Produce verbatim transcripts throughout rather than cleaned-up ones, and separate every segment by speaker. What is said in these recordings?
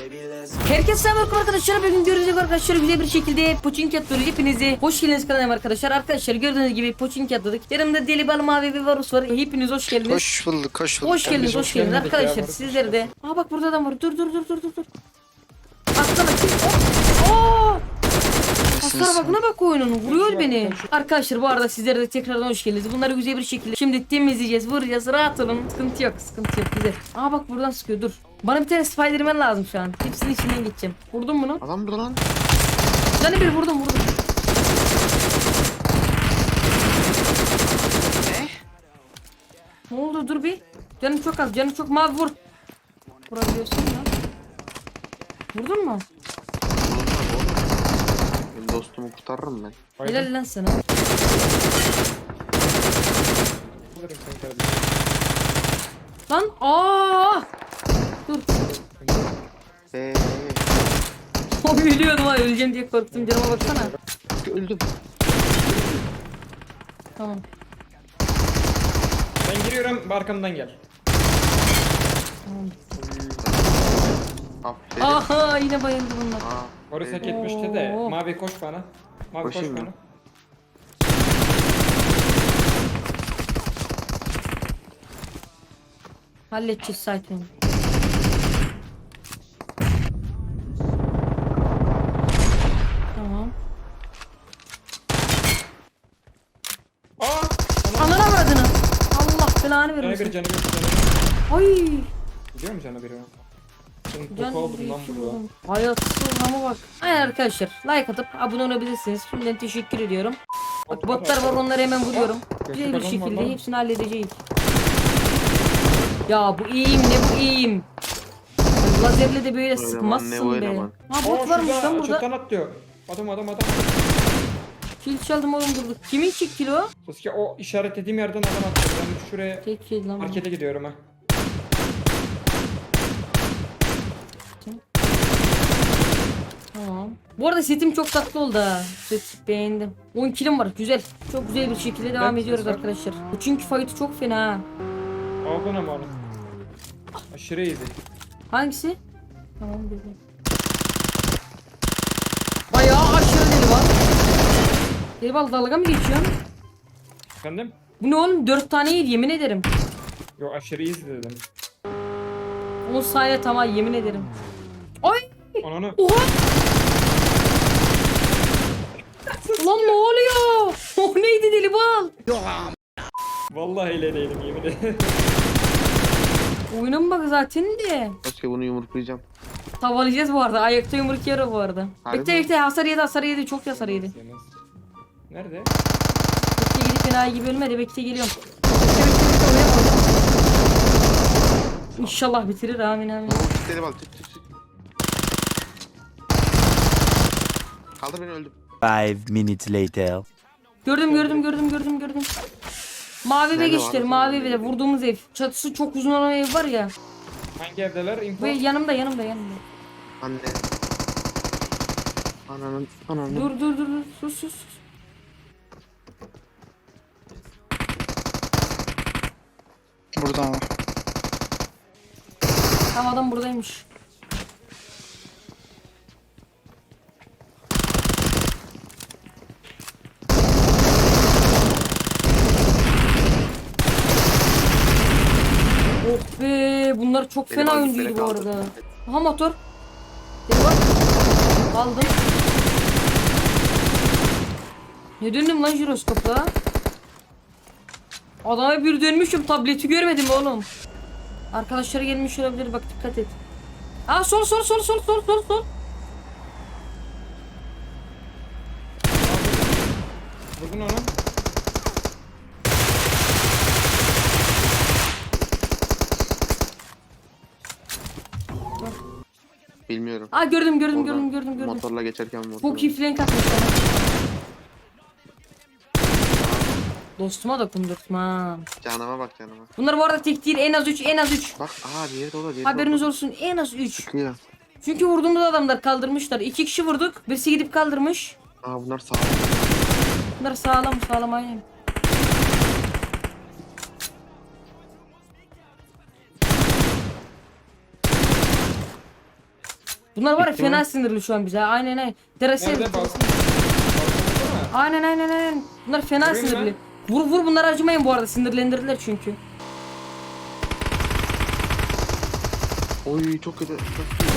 Speaker 1: Herkese selam arkadaşlar. Bugün gördüğünüz gibi arkadaşlar güzel bir şekilde Pochinki atıyoruz. Hepinize hoş geldiniz kanalıma arkadaşlar. Arkadaşlar gördüğünüz gibi Pochinki atladık. Yanımda Deli Bal Mavi ve Varus var. Hepiniz hoş geldiniz.
Speaker 2: Hoş bulduk, hoş bulduk.
Speaker 1: Hoş geldiniz, hoş
Speaker 3: hoş
Speaker 1: geldiniz
Speaker 3: gelmedik
Speaker 1: arkadaşlar.
Speaker 3: ya,
Speaker 1: Sizler de. Aa bak burada adam var. Dur dur dur dur dur dur. Atlama kim? Aa! Hasar bak ne bak oyunun vuruyor beni. Arkadaşlar bu arada sizlere de tekrardan hoş geldiniz. Bunları güzel bir şekilde şimdi temizleyeceğiz, vuracağız. Rahat olun. Sıkıntı yok, sıkıntı yok güzel. Aa bak buradan sıkıyor dur. Bana bir tane Spiderman lazım şu an. Hepsinin içinden geçeceğim. Vurdun bunu.
Speaker 2: Adam burada lan.
Speaker 1: Canı bir vurdum vurdum.
Speaker 2: Ne?
Speaker 1: Ne oldu dur bir. Canım çok az, canım çok mavi vur. Vurabiliyorsun ya. Vurdun mu?
Speaker 2: Benim dostumu kurtarırım ben.
Speaker 1: Helal lan sana. Lan aa! Dur.
Speaker 2: Eee
Speaker 1: O ölüyordum ha öleceğim diye korktum canıma baksana.
Speaker 2: öldüm.
Speaker 1: Tamam.
Speaker 3: Ben giriyorum, arkamdan gel.
Speaker 1: Tamam.
Speaker 2: Aferin.
Speaker 1: Aha yine bayıldı bunlar.
Speaker 2: Aa,
Speaker 3: Boris hak
Speaker 2: evet.
Speaker 3: etmişti de.
Speaker 1: Oo.
Speaker 3: Mavi koş bana. Mavi
Speaker 2: Koşayım
Speaker 3: koş
Speaker 2: mı?
Speaker 3: bana.
Speaker 1: Halledeceğiz sakin. Tamam.
Speaker 3: Aa!
Speaker 1: Anana avradını. Allah belanı
Speaker 3: Canı bir,
Speaker 1: vermesin.
Speaker 3: canı bir, canı bir.
Speaker 1: Ay.
Speaker 3: Biliyor musun canı biri? Ben
Speaker 1: Can
Speaker 3: topu oldum lan
Speaker 1: bir
Speaker 3: burada.
Speaker 1: vurdum. Hayatsız ama bak. Aynen arkadaşlar like atıp abone olabilirsiniz. Şimdiden teşekkür ediyorum. Bak botlar var onları hemen vuruyorum. Güzel bir şekilde hepsini halledeceğiz. Ya bu iyiyim ne bu iyiyim. Lazerle de böyle
Speaker 2: Oynaman,
Speaker 1: sıkmazsın
Speaker 2: ne
Speaker 1: be.
Speaker 2: oynaman.
Speaker 1: Ha
Speaker 3: Aa,
Speaker 1: bot varmış
Speaker 3: şurada
Speaker 1: lan burada.
Speaker 3: Çatıdan atlıyor. Adam adam adam.
Speaker 1: Kill çaldım oğlum durduk. Kimin kick kill o?
Speaker 3: Sasuke o işaretlediğim yerden adam atlıyor. Ben şuraya
Speaker 1: Tek kill lan. bu.
Speaker 3: markete gidiyorum ha.
Speaker 1: Tamam. Bu arada setim çok tatlı oldu ha. Set beğendim. on killim var güzel. Çok güzel bir şekilde devam
Speaker 3: Ben-
Speaker 1: ediyoruz
Speaker 3: ben-
Speaker 1: arkadaşlar. Bu çünkü fight'ı çok fena ha.
Speaker 3: Aldın ama onu. Aşırı iyiydi.
Speaker 1: Hangisi? Tamam güzel. Bayağı aşırı deli var. Deli bal dalga mı geçiyorsun?
Speaker 3: Efendim?
Speaker 1: Bu ne oğlum? dört tane yedi yemin ederim.
Speaker 3: Yo aşırı iyiydi dedim.
Speaker 1: on saniye tamam yemin ederim. Ay!
Speaker 3: Ananı.
Speaker 1: Oha! Ulan ne oluyor? O neydi deli bal?
Speaker 3: Vallahi öyle değilim yemin ederim.
Speaker 1: Oyunun bak zaten de.
Speaker 2: Başka bunu yumruklayacağım.
Speaker 1: Tavalayacağız bu arada. Ayakta yumruk yer bu arada.
Speaker 2: Harbi
Speaker 1: Bekle
Speaker 2: mi?
Speaker 1: bekle hasar yedi hasar yedi çok hasar yedi.
Speaker 3: Nerede?
Speaker 1: Bekle gidip enayi gibi ölmedi bekle geliyorum. Bekle bekle bekle oraya koydum. İnşallah bitirir amin amin.
Speaker 2: Deli bal, tık tık tık. Kaldır beni öldüm.
Speaker 4: Five minutes later.
Speaker 1: Gördüm gördüm gördüm gördüm gördüm. Mavi eve
Speaker 2: Nerede
Speaker 1: geçtiler
Speaker 2: var?
Speaker 1: mavi eve vurduğumuz ev. Çatısı çok uzun olan ev var ya.
Speaker 3: Hangi evdeler? Info.
Speaker 1: Ve yanımda yanımda yanımda.
Speaker 2: Anne. Ananın, ananın.
Speaker 1: Dur dur dur dur sus sus sus.
Speaker 2: Burada ama.
Speaker 1: Tamam adam buradaymış. Oh be bunlar çok
Speaker 2: Benim
Speaker 1: fena
Speaker 2: abi
Speaker 1: oyuncuydu
Speaker 2: beni
Speaker 1: bu
Speaker 2: kaldır.
Speaker 1: arada. Aha motor. Gel bak. Aldım. Ne döndüm lan jiroskopla? Adama bir dönmüşüm tableti görmedim oğlum. Arkadaşları gelmiş olabilir bak dikkat et. Aa sol sol sol sol sol sol sol.
Speaker 3: Vurdun onu.
Speaker 2: Bilmiyorum.
Speaker 1: Aa gördüm gördüm
Speaker 2: Oradan
Speaker 1: gördüm gördüm gördüm.
Speaker 2: Motorla geçerken motorla.
Speaker 1: Bu kiflenk atmış bana. Dostuma dokundurtma.
Speaker 2: Canıma bak canıma.
Speaker 1: Bunlar bu arada tek değil en az üç en az üç.
Speaker 2: Bak aha diğeri de o da diğeri
Speaker 1: Haberiniz
Speaker 2: de o da.
Speaker 1: olsun en az üç.
Speaker 2: Çıkıyor.
Speaker 1: Çünkü vurduğumuz adamlar kaldırmışlar. İki kişi vurduk. Birisi gidip kaldırmış.
Speaker 2: Aa bunlar sağ.
Speaker 1: Bunlar sağlam sağlam aynen. Bunlar var ya
Speaker 2: Bitti mi?
Speaker 1: fena sinirli şu an bize. Aynen aynen. Terası
Speaker 3: Nerede balkon? Balkonda mı?
Speaker 1: Aynen aynen aynen. Bunlar fena
Speaker 3: Vurayım
Speaker 1: sinirli. Vur vur bunları acımayın bu arada. Sinirlendirdiler çünkü.
Speaker 2: Oy çok kötü. Çok kötü.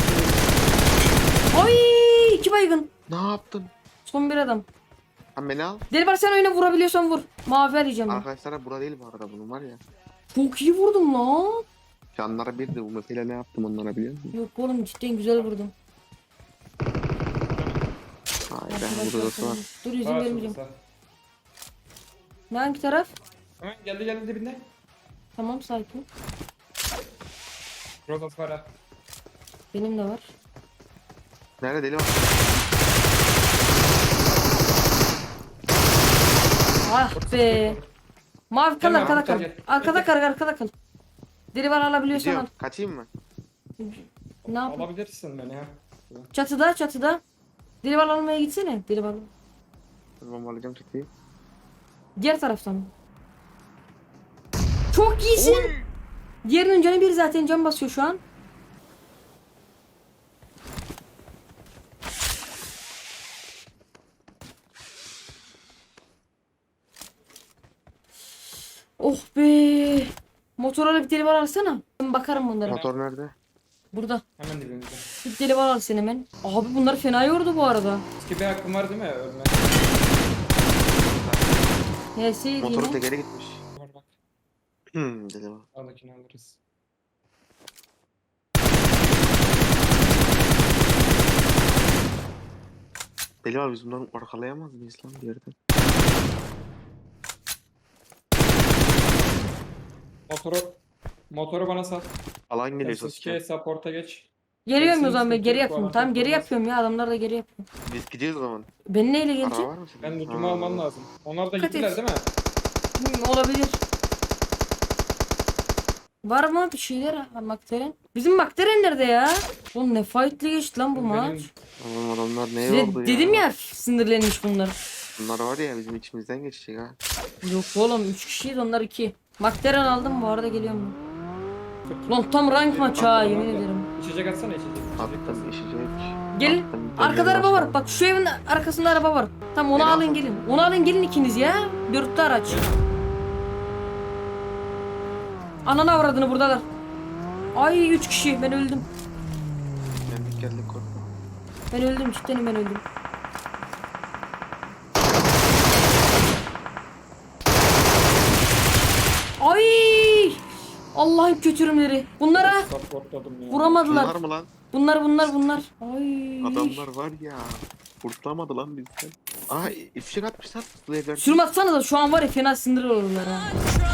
Speaker 1: Ay iki baygın.
Speaker 2: Ne yaptın?
Speaker 1: Son bir adam.
Speaker 2: Lan beni al.
Speaker 1: Deli var sen oyuna vurabiliyorsan vur. Mavi arayacağım ben.
Speaker 2: Arkadaşlar bura değil bu arada bunun var ya.
Speaker 1: Çok iyi vurdum lan.
Speaker 2: Canlara bir de bu mesela ne yaptım onlara biliyor musun?
Speaker 1: Yok oğlum cidden güzel vurdum.
Speaker 2: Hayır ben burada da var.
Speaker 1: Dur izin
Speaker 3: Sağa
Speaker 1: vermeyeceğim.
Speaker 3: açıldı,
Speaker 1: Ne hangi taraf?
Speaker 3: sağ. Hemen geldi geldi dibinde.
Speaker 1: Tamam sakin.
Speaker 3: Rozas var ha.
Speaker 1: Benim de var.
Speaker 2: Nerede deli var?
Speaker 1: Ah be. Mavi kal
Speaker 3: Gel
Speaker 1: arkada
Speaker 3: Mahmut,
Speaker 1: kal.
Speaker 3: gel, gel.
Speaker 1: Arkada
Speaker 3: Gel,
Speaker 1: kal arkada kal. Deli var alabiliyorsan al.
Speaker 2: Gidiyorum. Kaçayım mı?
Speaker 1: Ne yap?
Speaker 3: Alabilirsin beni ha.
Speaker 1: Çatıda çatıda. Deli var almaya gitsene. Deli var.
Speaker 2: Tamam alacağım çekeyim.
Speaker 1: Diğer taraftan. Çok iyisin. Diğerinin canı bir zaten can basıyor şu an. Oh be. Motorla bir deli var alsana. Ben bakarım bunlara.
Speaker 2: Motor nerede?
Speaker 1: Burada.
Speaker 3: Hemen dibimizde.
Speaker 1: Bir deli var al sen hemen. Abi bunlar fena yordu bu arada.
Speaker 3: Eski bir hakkım var değil mi? Ölme.
Speaker 1: H'si
Speaker 2: Motoru
Speaker 1: yine.
Speaker 2: tekeri gitmiş.
Speaker 3: Var bak.
Speaker 2: Hmm deli var.
Speaker 3: Sağdakini alırız.
Speaker 2: Deli var biz bunları arkalayamaz mıyız lan bir yerden?
Speaker 3: Motoru motoru bana sat.
Speaker 2: Alan geliyor
Speaker 3: Sasuke
Speaker 2: Sasuke.
Speaker 3: support'a geç.
Speaker 1: Geliyorum o
Speaker 3: Hepsini
Speaker 1: zaman ben geri
Speaker 3: sıkıntı yok,
Speaker 1: yapıyorum.
Speaker 3: bu
Speaker 1: Tamam
Speaker 3: adam
Speaker 1: geri
Speaker 3: yapamaz.
Speaker 1: yapıyorum ya adamlar da geri yapıyor.
Speaker 2: Biz gidiyoruz o zaman.
Speaker 1: Ben neyle
Speaker 2: Araba
Speaker 1: gelecek?
Speaker 2: var mı senin?
Speaker 3: Ben
Speaker 2: Ha.
Speaker 3: lootumu almam lazım. Onlar da
Speaker 1: Dikkat
Speaker 3: gittiler
Speaker 1: et.
Speaker 3: değil mi?
Speaker 1: Hmm, olabilir. Var mı bir şeyler? Ha, Makteren. Bizim Makteren nerede ya? Oğlum ne fight'li geçti lan bu
Speaker 3: Benim-
Speaker 1: maç.
Speaker 2: Oğlum adamlar ne
Speaker 1: Size
Speaker 2: oldu ya?
Speaker 1: dedim ya sinirlenmiş bunlar.
Speaker 2: Bunlar var ya bizim içimizden geçecek ha.
Speaker 1: Yok oğlum üç kişiyiz onlar iki. Makteren aldım bu arada geliyorum ben. Lan tam rank maçı ha yemin ederim.
Speaker 3: İçecek atsana içecek. İçecek
Speaker 2: Attım
Speaker 3: atsana.
Speaker 2: işecek.
Speaker 1: Gelin.
Speaker 2: Attım,
Speaker 1: Arkada
Speaker 2: dönüyorum
Speaker 1: araba var.
Speaker 2: başına.
Speaker 1: Bak şu evin arkasında araba var. Tamam onu
Speaker 2: Beni
Speaker 1: alın
Speaker 2: alsana.
Speaker 1: gelin. Onu alın gelin ikiniz ya. Dörtlü araç. Ananı avradını buradalar. Ay üç kişi ben öldüm.
Speaker 2: Geldik geldik korkma.
Speaker 1: Ben öldüm cidden ben öldüm. Ay! Allah'ın kötürümleri. Bunlara
Speaker 3: Supportladım ya.
Speaker 1: vuramadılar.
Speaker 2: Bunlar mı lan?
Speaker 1: Bunlar bunlar bunlar. Ay.
Speaker 2: Adamlar var ya. Kurtulamadı lan bizden. Aa ifşek atmışlar. Slayer'ler.
Speaker 1: Sürüm atsana da şu an var ya fena sinir olurlar ha.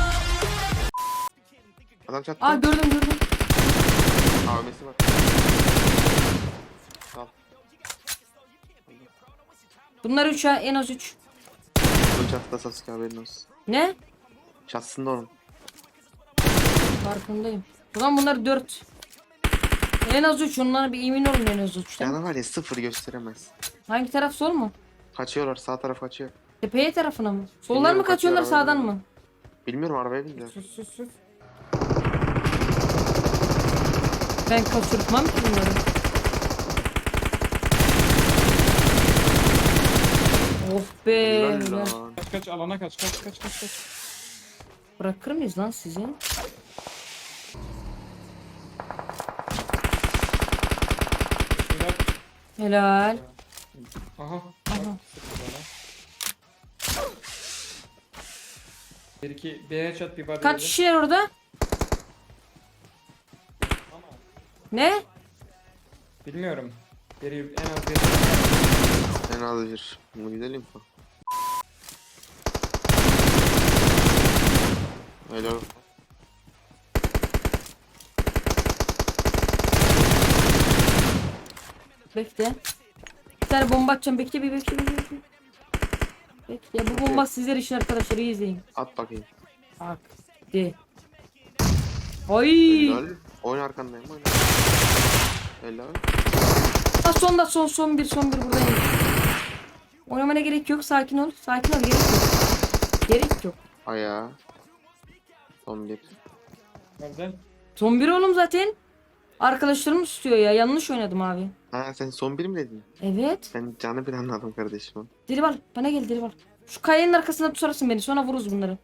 Speaker 2: Adam çattı.
Speaker 1: Aa gördüm gördüm.
Speaker 2: A V M'si var. Al.
Speaker 1: Bunlar üç ha en az üç.
Speaker 2: Bunun çatıda Sasuke haberin olsun.
Speaker 1: Ne?
Speaker 2: Çatısında onun.
Speaker 1: Farkındayım. Ulan bunlar dört. En az üç onlara bir emin olun en az üç.
Speaker 2: Yani var ya sıfır gösteremez.
Speaker 1: Hangi taraf sol mu?
Speaker 2: Kaçıyorlar sağ taraf kaçıyor.
Speaker 1: Tepeye tarafına mı? Soldan
Speaker 2: Bilmiyorum,
Speaker 1: mı kaçıyorlar
Speaker 2: kaçıyorlar,
Speaker 1: sağdan
Speaker 2: bilmiyorum.
Speaker 1: mı?
Speaker 2: Bilmiyorum arabaya bindiler.
Speaker 3: Sus sus sus.
Speaker 1: Ben kaçırtmam ki bunları. Oh be.
Speaker 2: Helal
Speaker 1: helal.
Speaker 2: lan.
Speaker 3: Kaç kaç alana kaç kaç kaç kaç kaç.
Speaker 1: Bırakır mıyız lan sizi?
Speaker 3: Bismillah.
Speaker 1: Helal.
Speaker 3: Aha.
Speaker 1: Aha.
Speaker 3: Bak, sıktı bana. Bir iki bir headshot bir body
Speaker 1: Kaç
Speaker 3: yedi.
Speaker 1: kişiler orada?
Speaker 3: Ama
Speaker 1: Ne?
Speaker 3: bilmiyorum. Biri en az bir.
Speaker 2: En az bir. Bunu gidelim mi? Helal.
Speaker 1: Bekle. Bir tane bomba atacağım. Bekle bir bekle bir bekle. Bekle. Bu bomba sizler için arkadaşlar iyi izleyin.
Speaker 2: At bakayım.
Speaker 1: Bak. De. Ay.
Speaker 2: Helal. Oyun arkandayım oyna. Helal.
Speaker 1: Ha son da son son bir son bir buradayım. Oynamana gerek yok. Sakin ol. Sakin ol. Gerek yok. Gerek yok.
Speaker 2: Ayağa. Son bir.
Speaker 3: Nerede?
Speaker 1: Son bir oğlum zaten. Arkadaşlarım istiyor ya. Yanlış oynadım abi.
Speaker 2: Ha sen son bir mi dedin?
Speaker 1: Evet.
Speaker 2: Ben canı bir anladım kardeşim.
Speaker 1: Deli bana gel deli Şu kayanın arkasında tutarsın beni. Sonra vururuz bunları.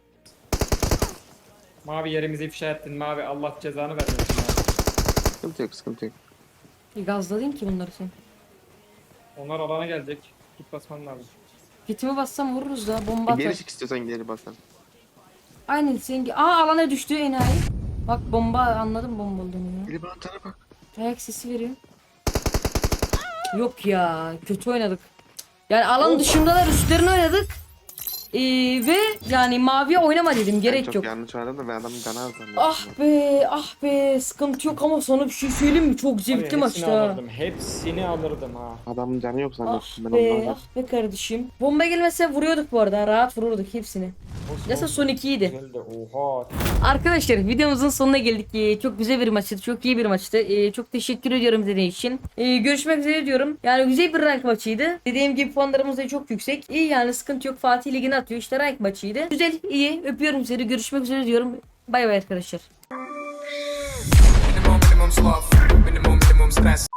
Speaker 3: Mavi yerimizi ifşa ettin mavi. Allah cezanı vermesin ya.
Speaker 2: Sıkıntı yok sıkıntı yok.
Speaker 1: Bir gazladın ki bunları sen.
Speaker 3: Onlar alana gelecek. Git basman lazım.
Speaker 1: Gitimi bassam vururuz da bomba atar.
Speaker 2: Geri çık istiyorsan geri bakalım.
Speaker 1: Aynen sen. Aa alana düştü enayi. Bak bomba anladım bomba olduğunu ya.
Speaker 2: Geri bana tara bak.
Speaker 1: Ayak sesi veriyor. Yok ya kötü oynadık. Yani alan dışındalar üstlerine oynadık. Ee, ve yani maviye oynama dedim
Speaker 2: Ben
Speaker 1: gerek
Speaker 2: çok
Speaker 1: yok.
Speaker 2: yanlış oynadım da ben adamın canı az zannettim.
Speaker 1: Ah be ah be sıkıntı yok ama sana bir şey söyleyeyim mi? Çok zevkli
Speaker 3: Abi,
Speaker 1: maçtı
Speaker 3: hepsini
Speaker 1: ha.
Speaker 3: alırdım. Hepsini alırdım ha.
Speaker 2: Adamın canı yok
Speaker 1: Ah
Speaker 2: zannettim ben
Speaker 1: be
Speaker 2: ondan.
Speaker 1: ah be kardeşim. Bomba gelmese vuruyorduk bu arada rahat vururduk hepsini.
Speaker 3: Olsun,
Speaker 1: Neyse
Speaker 3: olsun.
Speaker 1: son ikiydi.
Speaker 3: Güzeldi. Oha.
Speaker 1: Arkadaşlar videomuzun sonuna geldik. Ee, çok güzel bir maçtı. Çok iyi bir maçtı. Ee, çok teşekkür ediyorum izlediğiniz için. Ee, görüşmek üzere diyorum. Yani güzel bir rank maçıydı. Dediğim gibi puanlarımız da çok yüksek. İyi yani sıkıntı yok. Fatih Ligi'ne atıyor. İşte rank maçıydı. Güzel iyi. Öpüyorum sizi. Görüşmek üzere diyorum. Bay bay arkadaşlar.
Speaker 5: Minimum, minimum sloth, minimum, minimum stress.